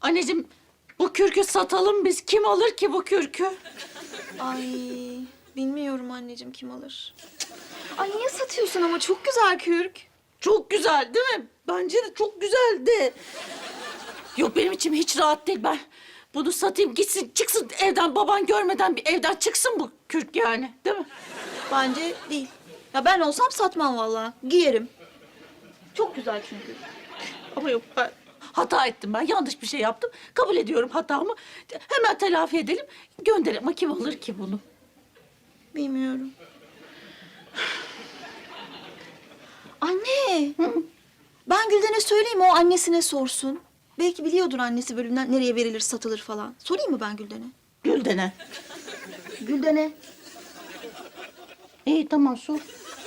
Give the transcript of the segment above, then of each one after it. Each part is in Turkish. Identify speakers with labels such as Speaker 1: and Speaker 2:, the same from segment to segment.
Speaker 1: Anneciğim bu kürkü satalım biz. Kim alır ki bu kürkü?
Speaker 2: Ay bilmiyorum anneciğim kim alır. Ay niye satıyorsun ama çok güzel kürk.
Speaker 1: Çok güzel değil mi? Bence de çok güzeldi. Yok benim içim hiç rahat değil. Ben bunu satayım gitsin çıksın evden, baban görmeden bir evden çıksın bu kürk yani, değil mi?
Speaker 2: Bence değil. Ya ben olsam satmam vallahi. Giyerim. Çok güzel çünkü.
Speaker 1: Ama yok, ben hata ettim, ben yanlış bir şey yaptım. Kabul ediyorum hatamı. Hemen telafi edelim, gönderelim. Ama kim alır ki bunu?
Speaker 2: Bilmiyorum. Anne. Ben Gülden'e söyleyeyim, o annesine sorsun. Belki biliyordur annesi bölümden nereye verilir, satılır falan. Sorayım mı ben Gülden'e?
Speaker 1: Gülden'e.
Speaker 2: Gülden'e.
Speaker 1: İyi tamam, sor.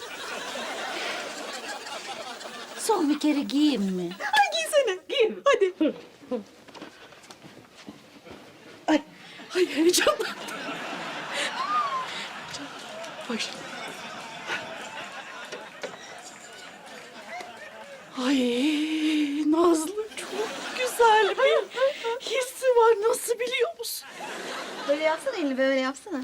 Speaker 1: Son bir kere giyeyim mi?
Speaker 2: Ay giysene. Giy. Hadi.
Speaker 1: Ay heyecanlandım. Başla. Ay Nazlı, çok güzel bir hissi var. Nasıl biliyor musun?
Speaker 2: Böyle yapsana elini, böyle yapsana.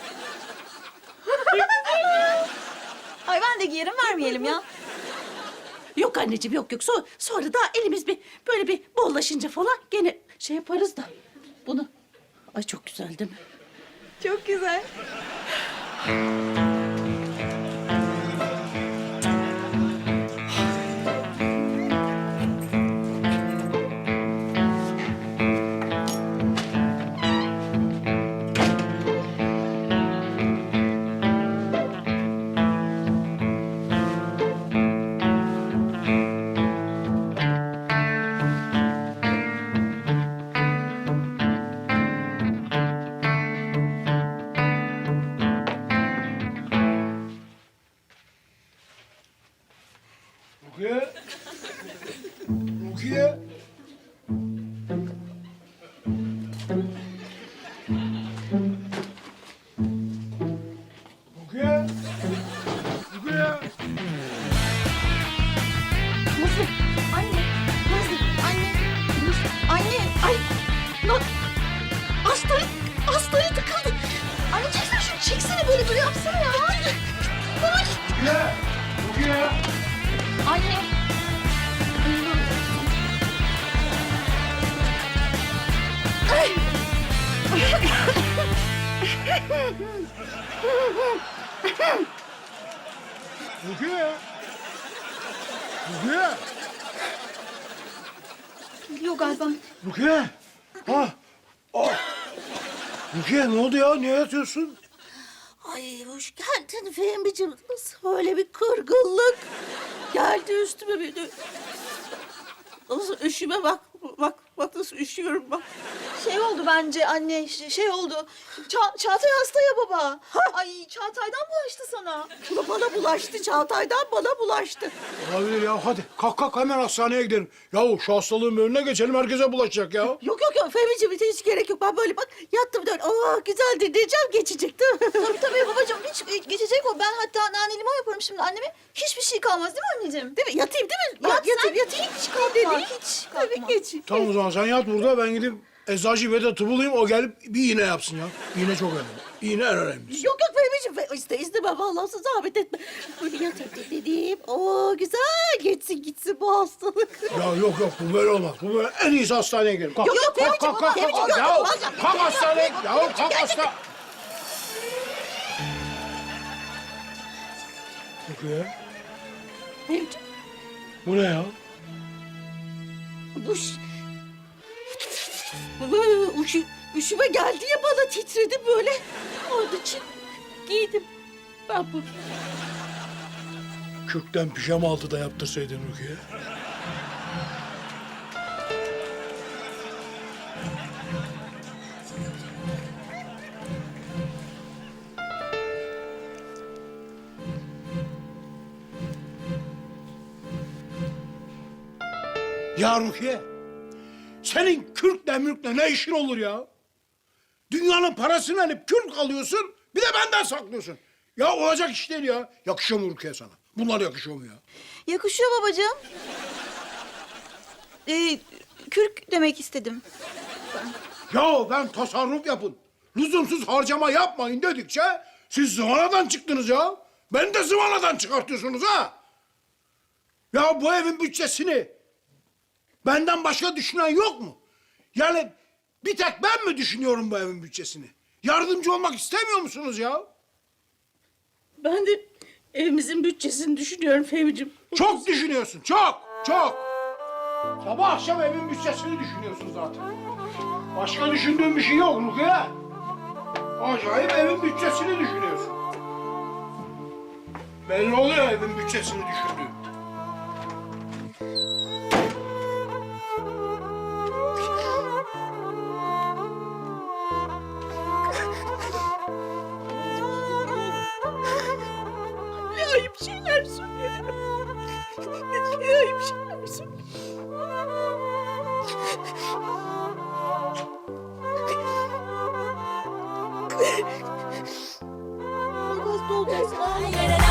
Speaker 2: Ay ben de giyerim, vermeyelim ya.
Speaker 1: Yok anneciğim, yok. Sonra da elimiz bir böyle bir bollaşınca falan gene şey yaparız da bunu. Ay çok güzel değil mi?
Speaker 2: Çok güzel.
Speaker 3: Rukiye. Rukiye. Rukiye. Rukiye.
Speaker 2: Nasıl? Anne. Nasıl? Anne. Nasıl? Anne.
Speaker 1: Ay lan hastaya tıkıldı.
Speaker 2: Anne çeksene şunu. Çeksene böyle yapsana ya. Ay.
Speaker 3: Rukiye. Rukiye.
Speaker 2: Anne.
Speaker 3: Rukiye. Rukiye.
Speaker 2: Geliyor galiba.
Speaker 3: Rukiye. Ha. Ah. Rukiye ne oldu ya? Niye yatıyorsun?
Speaker 1: Ay hoş geldin Fehmi'ciğim. Nasıl öyle bir kırgınlık geldi üstüme bir de. Nasıl üşüme bak. Bak nasıl üşüyorum bak.
Speaker 2: Şey oldu bence anne, şey oldu. Çağatay hasta ya baba. Ay Çağatay'dan bulaştı sana.
Speaker 1: Bu bana bulaştı, Çağatay'dan bana bulaştı.
Speaker 3: Olabilir ya. Hadi kalk hemen hastaneye gidelim. Yahu şu hastalığın önüne geçelim. Herkese bulaşacak ya.
Speaker 1: Yok Fehmi'ciğim hiç gerek yok. Ben böyle bak yattım dön. Güzel dinleyeceğim, geçecek değil mi?
Speaker 2: Tabii babacığım, hiç geçecek o. Ben hatta nane limon yaparım şimdi anneme. Hiçbir şey kalmaz değil mi anneciğim?
Speaker 1: Değil mi? Yatayım değil mi?
Speaker 2: Yatayım. Hiç kalkma.
Speaker 1: Dedi.
Speaker 2: Hiç
Speaker 1: Tabii
Speaker 2: kalkma.
Speaker 1: geçeyim.
Speaker 3: Tamam o zaman sen yat burada. Ben gidip eczacı Vedat'ı bulayım. O gelip bir iğne yapsın ya. İğne çok önemli. İğne en önemlisi.
Speaker 1: Yok Fehmi'ciğim istemem vallahi, zahmet etme. Böyle yatayım dediğim. Güzel gitsin bu hastalık.
Speaker 3: Ya yok bu böyle olmaz. Bu böyle en iyisi hastaneye gidelim. Kalk.
Speaker 1: Yok, Fehmi'ciğim,
Speaker 3: kalk.
Speaker 1: Fehmi'ciğim, yok,
Speaker 3: Ya
Speaker 1: olmaz ya.
Speaker 3: kalk hastaneye. Ya kalk hasta. Rukiye.
Speaker 1: Fehmi'ciğim
Speaker 3: Bu ne ya?
Speaker 1: Üşüme geldi ya bana, titredi böyle. Onun için giydim ben bunu.
Speaker 3: Kürkten pijama altı da yaptırsaydın Rukiye. Ya Rukiye, senin kürkle mürkle ne işin olur ya? Dünyanın parasını alıp kürk alıyorsun, bir de benden saklıyorsun. Ya olacak iş değil ya. Yakışıyor mu Rukiye sana? Bunlar yakışıyor mu ya?
Speaker 2: Yakışıyor babacığım. kürk demek istedim.
Speaker 3: Ya ben tasarruf yapın, lüzumsuz harcama yapmayın dedikçe siz zıvanadan çıktınız ya. Beni de zıvanadan çıkartıyorsunuz ha. Ya bu evin bütçesini benden başka düşünen yok mu? Yani bir tek ben mi düşünüyorum bu evin bütçesini? Yardımcı olmak istemiyor musunuz ya?
Speaker 1: Ben de evimizin bütçesini düşünüyorum Fehmi'ciğim.
Speaker 3: Çok düşünüyorsun, çok, çok. Sabah akşam evin bütçesini düşünüyorsun zaten. Başka düşündüğün bir şey yok Rukiye. Acayip evin bütçesini düşünüyorsun. Belli oluyor evin bütçesini düşündüğün.
Speaker 1: Ne ayıp şeyler söylüyorum. Ne ayıp şeyler söylüyorum.
Speaker 2: Hasta olacaksın.
Speaker 4: Yere